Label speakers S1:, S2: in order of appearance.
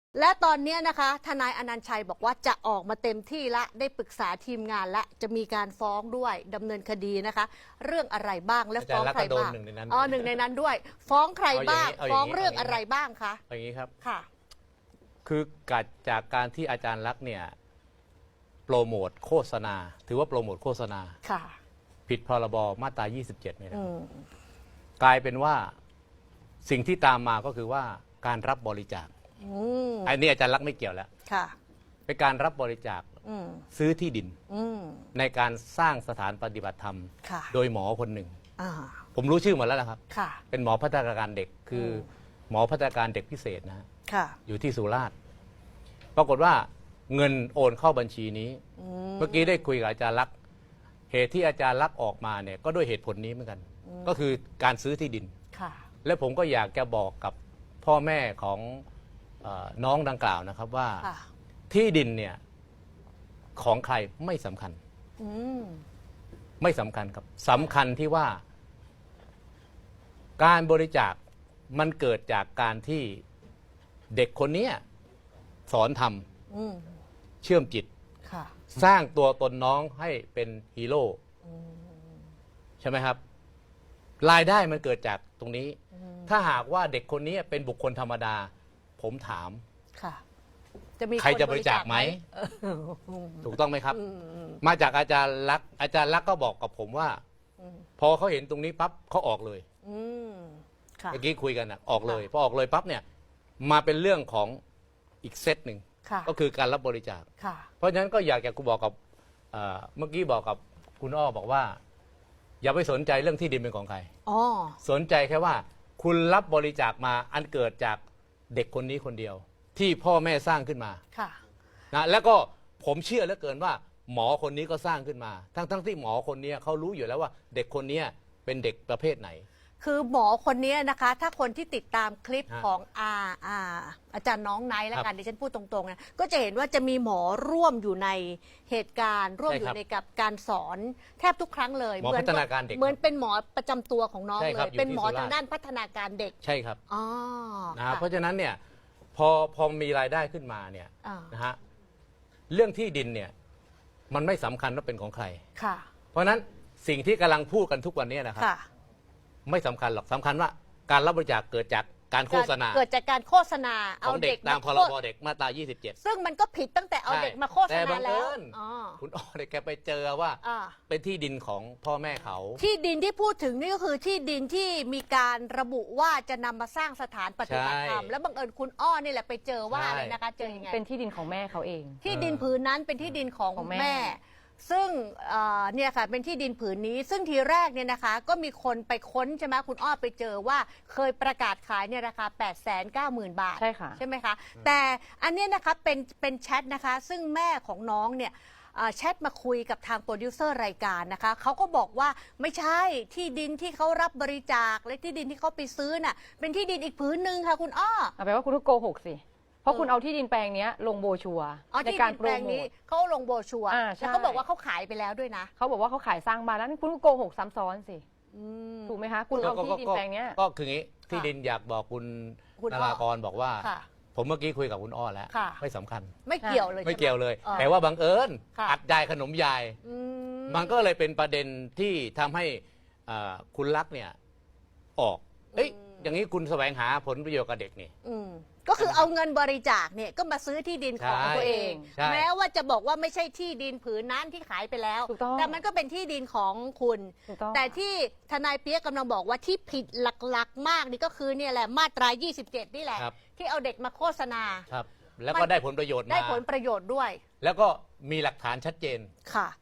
S1: และตอนนี้นะคะทนายอนันต์ชัยบอกว่าจะออกมาเต็มที่ละได้ปรึกษาทีมงานและจะมีการฟ้องด้วยดำเนินคดีนะคะเรื่องอะไรบ้างและฟ้องใครบ้างหนึ่งในนั้นด้วยฟ้องใครบ้างฟ้องเรื่องอะไรบ้างคะ
S2: อย่างนี้ครับ
S1: ค่ะ
S2: คือจากการที่อาจารย์ลักษณ์เนี่ยโปรโมทโฆษณาถือว่าโปรโมทโฆษณา
S1: ค่ะ
S2: ผิดพรบมาตรา 27เนี่ยนะกลายเป็นว่าสิ่งที่ตามมาก็คือว่าการรับบริจาคอันนี้อาจารย์ลักษณ์ไม่เกี่ยวแล้วเป็นการรับบริจาคซื้อที่ดินในการสร้างสถานปฏิบัติธรรมโดยหมอคนหนึ่งผมรู้ชื่อหมดแล้วนะครับเป็นหมอพัฒนาการเด็กคือหมอพัฒนาการเด็กพิเศษนะฮะอยู่ที่สุราษฎร์ปรากฏว่าเงินโอนเข้าบัญชีนี้เมื่อกี้ได้คุยกับอาจารย์ลักษณ์เหตุที่อาจารย์ลักษณ์ออกมาเนี่ยก็ด้วยเหตุผลนี้เหมือนกันก็คือการซื้อที่ดินและผมก็อยากจะบอกกับพ่อแม่ของน้องดังกล่าวนะครับว่าที่ดินเนี่ยของใครไม่สำคัญไม่สำคัญครับสำคัญที่ว่าการบริจาคมันเกิดจากการที่เด็กคนนี้สอนทำเชื่อมจิตสร้างตัวตนน้องให้เป็นฮีโร่ใช่ไหมครับรายได้มันเกิดจากตรงนี้ถ้าหากว่าเด็กคนนี้เป็นบุคคลธรรมดาผมถามใครจะบริจาคไหมถูกต้องไหมครับมาจากอาจารย์ลักษณ์อาจารย์ลักษณ์ก็บอกกับผมว่าพอเขาเห็นตรงนี้ปั๊บเขาออกเลยเมื่อกี้คุยกันออกเลยพอออกเลยปั๊บเนี่ยมาเป็นเรื่องของอีกเซตหนึ่งก็คือการรับบริจาคเพราะฉะนั้นก็อยากจะบอกกับเมื่อกี้บอกกับคุณอ้อบอกว่าอย่าไปสนใจเรื่องที่ดินเป็นของใครสนใจแค่ว่าคุณรับบริจาคมาอันเกิดจากเด็กคนนี้คนเดียวที่พ่อแม่สร้างขึ้นมานะแล้วก็ผมเชื่อเหลือเกินว่าหมอคนนี้ก็สร้างขึ้นมาทั้งที่หมอคนนี้เขารู้อยู่แล้วว่าเด็กคนนี้เป็นเด็กประเภทไหน
S1: คือหมอคนนี้นะคะถ้าคนที่ติดตามคลิปของอาจารย์น้องไนท์แล้วกันดิฉันพูดตรงๆนะก็จะเห็นว่าจะมีหมอร่วมอยู่ในเหตุการณ์ร่วมอยู่ในกับการสอนแทบทุกครั้งเลย
S2: หมอพัฒนาการเด็ก
S1: เหมือนเป็นหมอประจำตัวของน้องเลยเป็นหมอทางด้านพัฒนาการเด็ก
S2: ใช่ครับนะเพราะฉะนั้นเนี่ยพอมีรายได้ขึ้นมาเนี่ยนะฮะเรื่องที่ดินเนี่ยมันไม่สำคัญว่าเป็นของใครเพราะฉะนั้นสิ่งที่กำลังพูดกันทุกวันนี้นะครับไม่สำคัญหรอกสำคัญว่าการรับบริจาคเกิดจากการโฆษณา
S1: เกิดจากการโฆษณา
S2: เอาเด็กตามพรบเด็กมาตรา 27
S1: ซึ่งมันก็ผิดตั้งแต่เอาเด็กมาโฆษณาแล้ว
S2: คุณอ้อเนี่ยแกไปเจอว่าเป็นที่ดินของพ่อแม่เขา
S1: ที่ดินที่พูดถึงนี่ก็คือที่ดินที่มีการระบุว่าจะนำมาสร้างสถานปฏิบัติธรรมแล้วบังเอิญคุณอ้อนี่แหละไปเจอว่าอะไรนะคะเจอยังไง
S3: เป็นที่ดินของแม่เขาเอง
S1: ที่ดินผืนนั้นเป็นที่ดินของแม่ซึ่งเนี่ยค่ะเป็นที่ดินผืนนี้ซึ่งทีแรกเนี่ยนะคะก็มีคนไปค้นใช่ไหมคุณอ้อไปเจอว่าเคยประกาศขายเนี่ยราคา 890,000 บาท
S3: ใช่ค่ะ
S1: ใช่ไหมคะแต่อันนี้นะคะเป็นแชทนะคะซึ่งแม่ของน้องเนี่ยแชทมาคุยกับทางโปรดิวเซอร์รายการนะคะเขาก็บอกว่าไม่ใช่ที่ดินที่เขารับบริจาคและที่ดินที่เขาไปซื้อน่ะเป็นที่ดินอีกผืนหนึ่งค่ะคุณอ้อ
S3: แปลว่าคุณโกหกสิเพราะคุณเอาที่ดินแปลงนี้ลงโบชัว
S1: ในการโปรโมทเขาลงโบชัวแล้วก็บอกว่าเขาขายไปแล้วด้วยนะ
S3: เขาบอกว่าเขาขายสร้างบ้านแล้วคุณโกหกซ้ำซ้อนสิถูกไหมคะคุณเอาที่ดินแปลงนี้
S2: ก็คืองี้ที่ดินอยากบอกคุณนารากรบอกว่าผมเมื่อกี้คุยกับคุณอ้อแล้วไม่สำคัญ
S1: ไม่เกี่ยวเลย
S2: ไม่เกี่ยวเลยแต่ว่าบังเอิญอัดยายขนมยายมันก็เลยเป็นประเด็นที่ทำให้คุณลักษณ์เนี่ยออกอย่างนี้คุณแสวงหาผลประโยชน์กับเด็กนี่
S1: ก็คือเอาเงินบริจาคเนี่ยก็มาซื้อที่ดินของตัวเองแม้ว่าจะบอกว่าไม่ใช่ที่ดินผืนนั้นที่ขายไปแล้วแต่มันก็เป็นที่ดินของคุณแต่ที่ทนายเปี๊ยกกำลังบอกว่าที่ผิดหลักๆมากนี่ก็คือเนี่ยแหละมาตรา 27นี่แหละที่เอาเด็กมาโฆษณา
S2: ครับแล้วก็ได้ผลประโยชน์
S1: ได้ผลประโยชน์ด้วย
S2: แล้วก็มีหลักฐานชัดเจน